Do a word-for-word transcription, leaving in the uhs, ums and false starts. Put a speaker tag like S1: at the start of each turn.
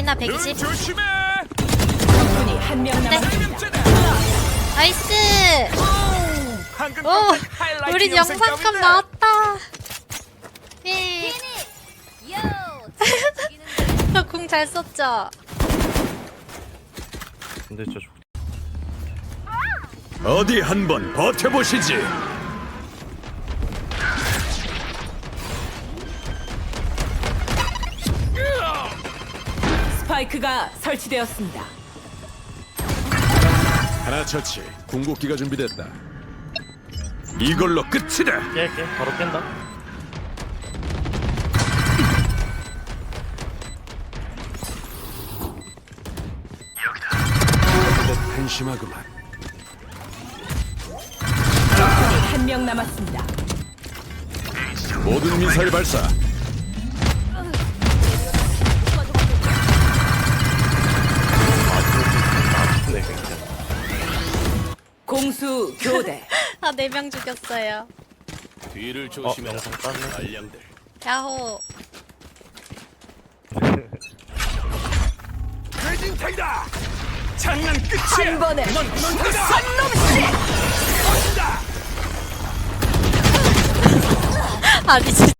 S1: 레이나 백이십.
S2: 조심해.
S3: 적군이 한 명 남았습니다.
S1: 나이스.
S2: 방금
S1: 오, 우리 영상감 나왔다. 예. 공 잘 썼죠?
S4: 근데 저 좋-
S2: 어디 한번 버텨보시지.
S3: 스파이크가 설치되었습니다.
S2: 하나 처치. 궁극기가 준비됐다. 이걸로 끝이다.
S4: 깨, 깨. 바로 깬다.
S2: 한심하구만.
S3: 적군이 한 명 남았습니다.
S2: 모든 미사일 발사.
S4: 네, 굉장히.
S3: 공수 교대.
S1: 아, 네 명 죽였어요.
S2: 뒤를
S4: 어, 영상 땄네.
S2: 알량들.
S1: 야호.
S2: 대진탱이다. 장난 끝이야.
S3: 한 번에
S2: 넌 죽는다.
S1: 아니, 진짜.